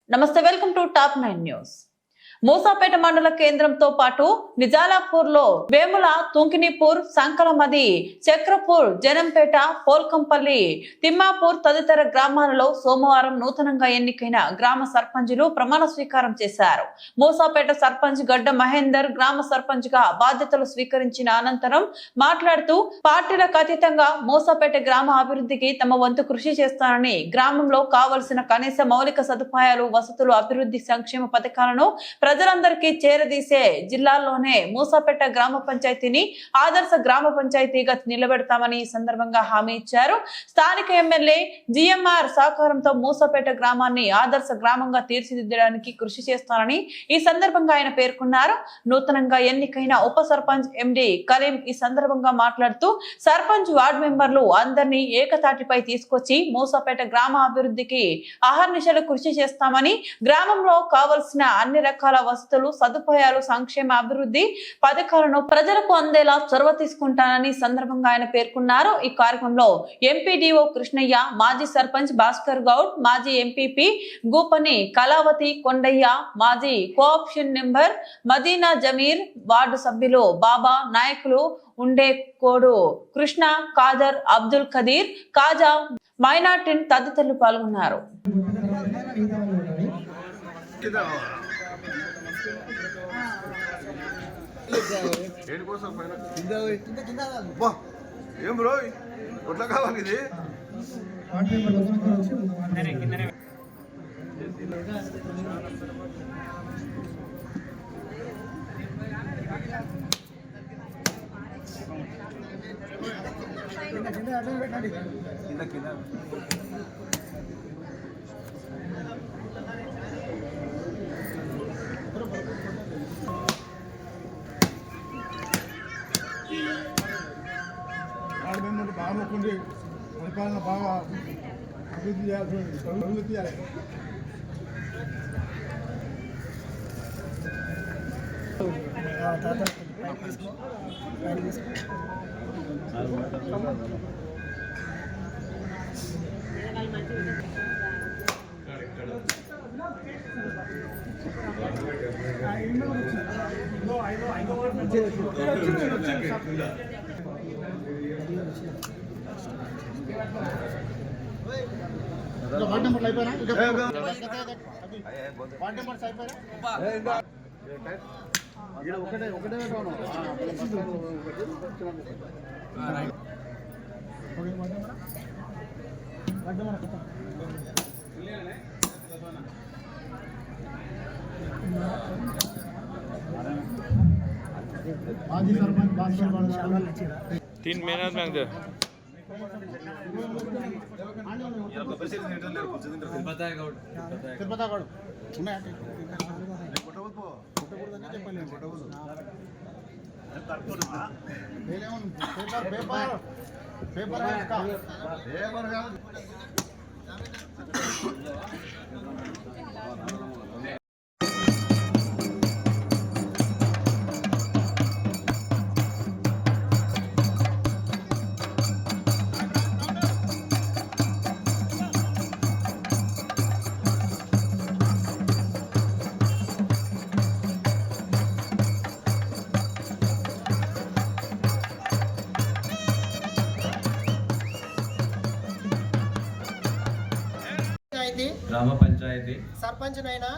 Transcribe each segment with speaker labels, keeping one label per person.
Speaker 1: నమస్తే, welcome to top 9 news. Musapeta మండల కేంద్రంతో పాటు నిజాలాపూర్ లో వేముల, తుంకినిపూర్, సంకలమది, చక్రపూర్, జనంపేట, పోల్కంపల్లి, తిమ్మాపూర్ తదితర గ్రామాలలో సోమవారం నూతనంగా ఎన్నికైన గ్రామ సర్పంచులు ప్రమాణ స్వీకారం చేశారు. మూసాపేట సర్పంచ్ గడ్డ మహేందర్ గ్రామ సర్పంచ్ గా బాధ్యతలు స్వీకరించిన అనంతరం మాట్లాడుతూ పార్టీలకు అతీతంగా మూసాపేట గ్రామ అభివృద్ధికి తమ వంతు కృషి చేస్తానని, గ్రామంలో కావలసిన కనీస మౌలిక సదుపాయాలు, వసతులు, అభివృద్ధి సంక్షేమ పథకాలను ప్రజలందరికీ చేరదీసే జిల్లాల్లోనే మూసాపేట గ్రామ పంచాయతీని ఆదర్శ గ్రామ పంచాయతీగా నిలబెడతామని ఈ సందర్భంగా హామీ ఇచ్చారు. స్థానిక ఎమ్మెల్యే జిఎంఆర్ సహకారంతో మూసాపేట గ్రామాన్ని ఆదర్శ గ్రామంగా తీర్చిదిద్దడానికి కృషి చేస్తానని ఈ సందర్భంగా ఆయన పేర్కొన్నారు. నూతనంగా ఎన్నికైన ఉప సర్పంచ్ ఎండి కలీం ఈ సందర్భంగా మాట్లాడుతూ సర్పంచ్, వార్డు మెంబర్లు అందరినీ ఏకతాటిపై తీసుకొచ్చి మూసాపేట గ్రామ అభివృద్ధికి అహర్నిశలు కృషి చేస్తామని, గ్రామంలో కావలసిన అన్ని రకాల వసతులు, సదుపాయాలు, సంక్షేమ అభివృద్ధి పథకాలను ప్రజలకు అందేలా చొరవ తీసుకుంటానని సందర్భంగా ఆయన పేర్కొన్నారు. ఈ కార్యక్రమంలో ఎంపీడీఓ కృష్ణయ్య, మాజీ సర్పంచ్ భాస్కర్ గౌడ్, మాజీ ఎంపీపీ గూపని కళావతి కొండయ్య, మాజీ cooption member Madina Jameer, ward సభ్యులు బాబా, నాయకులు ఉండే కోడు కృష్ణ, ఖాదర్, అబ్దుల్ ఖదీర్, కాజా, మైనార్టీన్ తదితరులు పాల్గొన్నారు.
Speaker 2: ఏం బ్రో కొట్ల కావాలి ఇది బాగుంది. పరిపాలన బాగా అభివృద్ధి చేయాల్సి తీయాలి. వార్డ్ నెంబర్ అయిపోయినా ఒకటే माजी सरपंच भास्कर गौड
Speaker 3: 3 मेहनत मांगते
Speaker 4: గ్రామ పంచాయతీ
Speaker 5: సర్పంచ్నైనా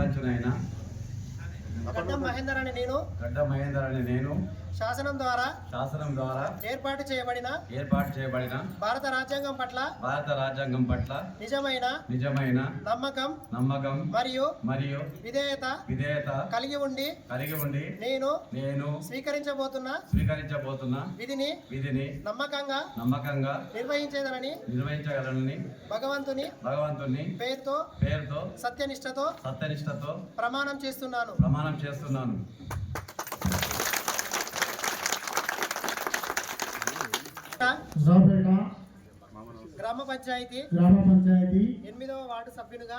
Speaker 4: గడ్డ మహేందర్ అని నేను శాసనం ద్వారా ఏర్పాటు చేయబడిన భారత రాజ్యాంగం పట్ల నిజమైన నమ్మకం మరియు విధేయత కలిగి ఉండి నేను స్వీకరించబోతున్న విధిని నమ్మకంగా నిర్వహించగలనని భగవంతుని పేరుతో సత్యనిష్టతో ప్రమాణం చేస్తున్నాను. గ్రామ పంచాయతీ 8వ వార్డు సభ్యునిగా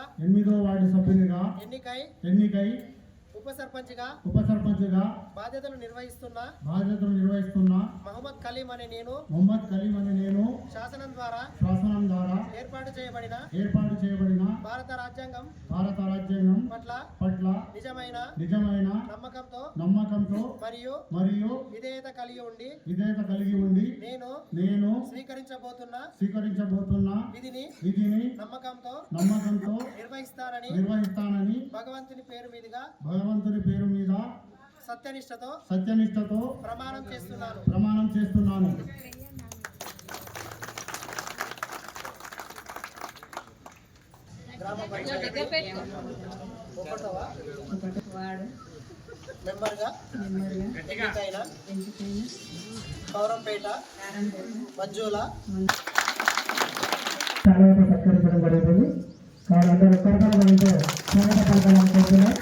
Speaker 4: ఎన్నికై ఉప సర్పంచ్గా బాధ్యతలు నిర్వహిస్తున్న మహమ్మద్ కలీం అనే నేను శాసనం ద్వారా ఏర్పాటు చేయబడిన భారత రాజ్యాంగం పట్ల
Speaker 2: నిజమైన
Speaker 4: నమ్మకంతో మరియు విధేయత కలిగి ఉండి నేను స్వీకరించబోతున్న విధిని నమ్మకంతో నిర్వహిస్తానని భగవంతుని పేరు మీద సత్యనిష్టతో ప్రమాణం చేస్తున్నాను. గ్రామ పంచాయతీ వార్డు మెంబర్గా ఎన్నికైన కౌరంపేట మంజుల
Speaker 3: చాలా సత్కరించడం జరుగుతుంది. వారు అందరూ కరకరమంటూ స్వాగత పలకాలనుకుంటున్నారు.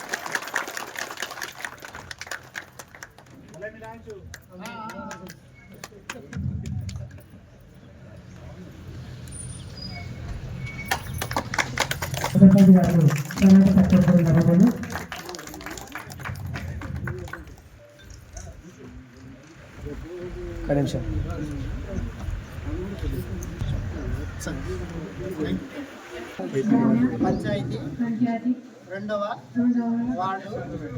Speaker 3: సర్పంచ్ గారు స్వాగత సత్కరించడం జరుగుతుంది.
Speaker 4: పంచాయతీ రెండవ వార్డు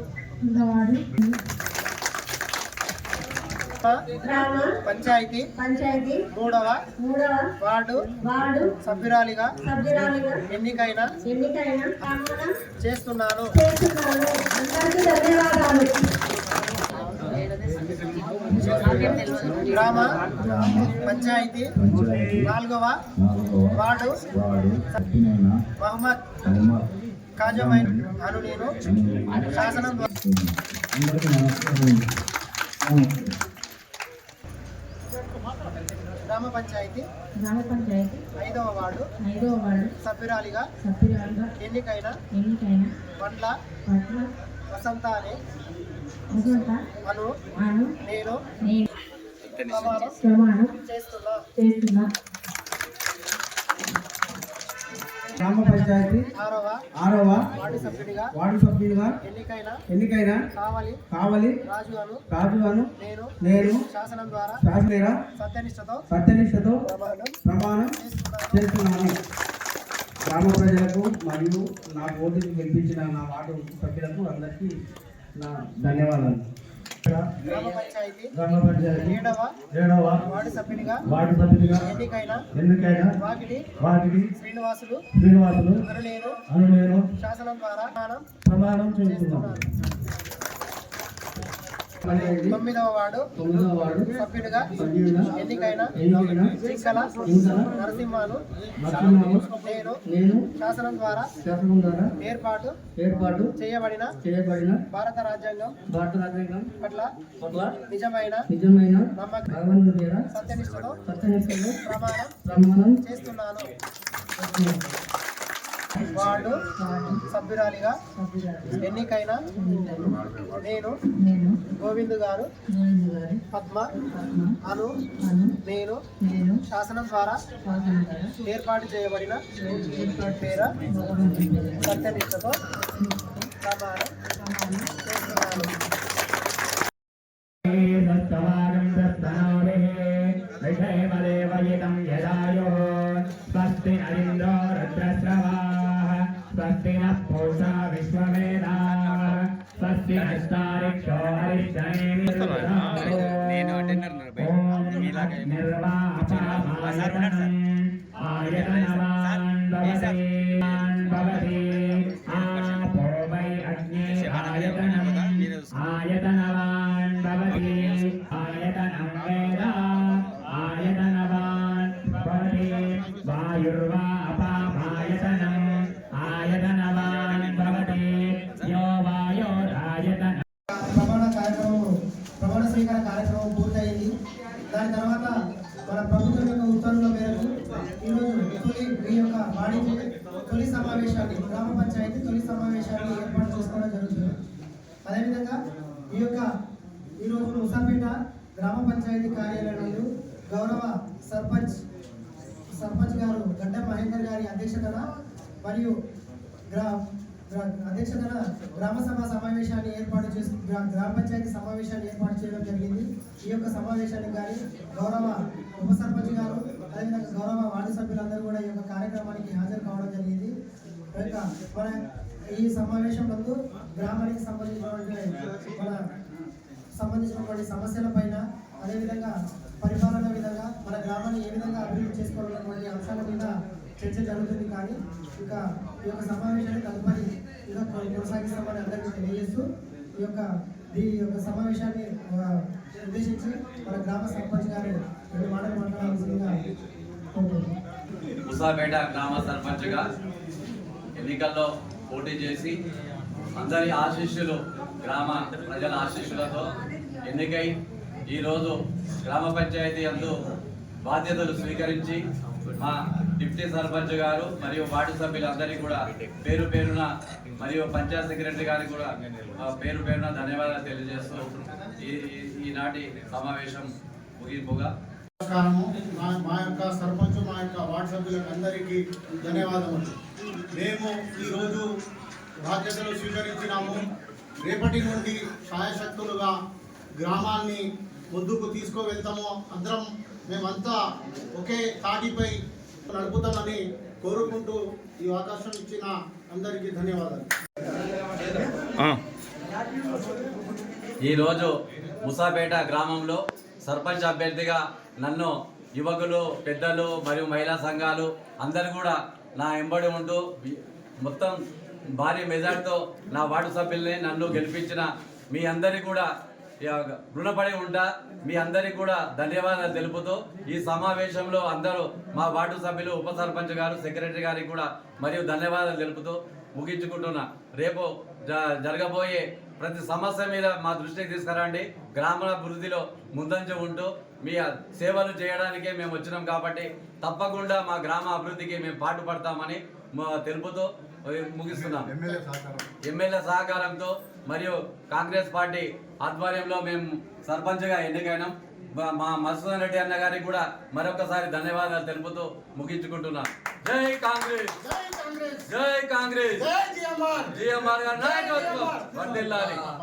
Speaker 4: పంచాయతీ మూడవ వార్డు సభ్యురాలిగా ఎన్నికైన చేస్తున్నాను. గ్రామ పంచాయతీ నాలుగవ వార్డు మహమ్మద్ కాజమైన్ అను నేను శాసనం గ్రామ పంచాయతీ ఐదవ వార్డు సభ్యురాలిగా ఎన్నికైన బండ్ల వసంత అనే అను నేను ప్రమాణం చేస్తున్నా.
Speaker 3: గ్రామ పంచాయతీ ఆరవ వార్డు సభ్యుడిగా ఎన్నికైన కావలి రాజు అను నేను శాసనం ద్వారా సత్యనిష్టతో ప్రమాణం చేస్తున్నాను. గ్రామ ప్రజలకు మరియు నా ఓటుకు గెలిపించిన నా వార్డు సభ్యులకు అందరికీ నా ధన్యవాదాలు.
Speaker 4: గ్రామ పంచాయతీ
Speaker 3: ఏడవ
Speaker 4: వార్డు సభ్యునిగా
Speaker 3: ఎన్నికైన వాకిటి
Speaker 4: శ్రీనివాసులు
Speaker 3: అను నేను
Speaker 4: శాసనం ద్వారా
Speaker 3: ప్రమాణం చేస్తున్నాను.
Speaker 4: తొమ్మిదవ వార్డు సభ్యుడిగా ఎన్నికైన జింకల నరసింహను నేను శాసనం ద్వారా ఏర్పాటు చేయబడిన భారత రాజ్యాంగం పట్ల నిజమైన నమ్మకం సత్యనిష్టతో ప్రమాణం చేస్తున్నాను. వార్డు సభ్యురాలిగా ఎన్నికైన నేను గోవింద్ గారు పద్మ అను నేను శాసనం ద్వారా ఏర్పాటు చేయబడిన పేర సత్యనిష్టతో ప్రమాణం చేస్తున్నాను.
Speaker 3: స్వస్తి నః పూషా విశ్వవేదాః స్వస్తి నస్తారిక్షో ఆయతనవాన్ భవతి ఆపో వై అగ్నే ఆయతనవాన్ భవతి ఆయతనం వేద ఆయతనవాన్ భవతి వాయుర్వా అపామాయతనం ఆయతనవాన్ భవతి యో వాయోరాయతనం.
Speaker 4: ప్రమాణ స్వీకార కార్యక్రమం పూర్తయింది. దాని తర్వాత మన ప్రభుత్వం యొక్క ఉత్తర్వుల మేరకు ఈరోజు ఈ యొక్క వాణిజ్య తొలి సమావేశాన్ని గ్రామ పంచాయతీ తొలి సమావేశాన్ని ఏర్పాటు చేసుకోవడం జరుగుతుంది. అదేవిధంగా ఈరోజు ముసాపేట గ్రామ పంచాయతీ కార్యాలయంలో గౌరవ సర్పంచ్ గారు గడ్డ మహేందర్ గారి అధ్యక్షతన మరియు గ్రామ సభ సమావేశాన్ని ఏర్పాటు చేసి గ్రామ పంచాయతీ సమావేశాన్ని ఏర్పాటు చేయడం జరిగింది. ఈ యొక్క సమావేశానికి కానీ గౌరవ ఉప సర్పంచ్ గారు అదేవిధంగా గౌరవ వార్డు సభ్యులందరూ కూడా ఈ యొక్క కార్యక్రమానికి హాజరు కావడం జరిగింది. మన ఈ సమావేశం నందు గ్రామానికి సంబంధించినటువంటి సమస్యల పైన, అదేవిధంగా పరిపాలన విధంగా మన గ్రామాన్ని ఏ విధంగా అభివృద్ధి చేసుకోవాలన్నటువంటి అంశాల మీద చర్చ జరుగుతుంది. కానీ ఇంకా ఈ యొక్క సమావేశాన్ని తదుపరి ఇంకా కొనసాగిస్తామని అందరికీ తెలియజేస్తూ ఈ యొక్క సమావేశాన్ని ఉద్దేశించి మన గ్రామ సర్పంచ్ గారు 2 మాటలు మాట్లాడాల్సిందిగా కోరుతున్నాను.
Speaker 5: ముసాపేట గ్రామ సర్పంచ్గా ఎన్నికల్లో పోటీ చేసి అందరి ఆశీస్సులు, గ్రామ ప్రజల ఆశీస్సులతో ఎన్నికై ఈరోజు గ్రామ పంచాయతీ అందు బాధ్యతలు స్వీకరించి మా డిప్యూటీ సర్పంచ్ గారు మరియు వార్డు సభ్యులందరికీ కూడా పేరు పేరున మరియు పంచాయత్ సెక్రటరీ గారికి కూడా పేరు పేరున ధన్యవాదాలు తెలియజేస్తూ ఈనాటి సమావేశం ముగింపుగా
Speaker 2: మా యొక్క సర్పంచ్, మా యొక్క వార్డు సభ్యులకు అందరికీ ధన్యవాదములు. మేము ఈరోజు బాధ్యతలు స్వీకరించినాము. రేపటి నుండి శాయశక్తులుగా గ్రామాన్ని ముందుకు తీసుకువెళ్తాము. అందరం మేమంతా ఒకే తాటిపై నడుపుతామని కోరుకుంటూ ఈ అవకాశం ఇచ్చిన అందరికీ ధన్యవాదాలు.
Speaker 5: ఈరోజు ముసాపేట గ్రామంలో సర్పంచ్ అభ్యర్థిగా నన్ను యువకులు, పెద్దలు మరియు మహిళా సంఘాలు అందరూ కూడా నా ఎంబడి ఉంటూ మొత్తం భారీ మెజార్టీతో నా వార్డు సభ్యుల్ని నన్ను గెలిపించిన మీ అందరికీ కూడా రుణపడి ఉంటా. మీ అందరికీ కూడా ధన్యవాదాలు తెలుపుతూ ఈ సమావేశంలో అందరూ మా వార్డు సభ్యులు, ఉప సర్పంచ్ గారు, సెక్రటరీ గారికి కూడా మరియు ధన్యవాదాలు తెలుపుతూ ముగించుకుంటున్నా. రేపు జరగబోయే ప్రతి సమస్య మీద మా దృష్టికి తీసుకురండి. గ్రామాభివృద్ధిలో ముందంజ ఉంటూ మీ సేవలు చేయడానికే మేము వచ్చినాం కాబట్టి తప్పకుండా మా గ్రామ అభివృద్ధికి మేము పాటుపడతామని తెలుపుతూ ముగిస్తున్నాం. ఎమ్మెల్యే సహకారంతో మరియు కాంగ్రెస్ పార్టీ ఆధ్వర్యంలో మేము సర్పంచ్గా ఎన్నికైనాం. మా మధుసూదన్ రెడ్డి అన్న గారికి కూడా మరొకసారి ధన్యవాదాలు తెలుపుతూ ముగించుకుంటున్నాం. జై కాంగ్రెస్, జై కాంగ్రెస్, జిఎంఆర్ గారి నాయకత్వం వర్ధిల్లాలి.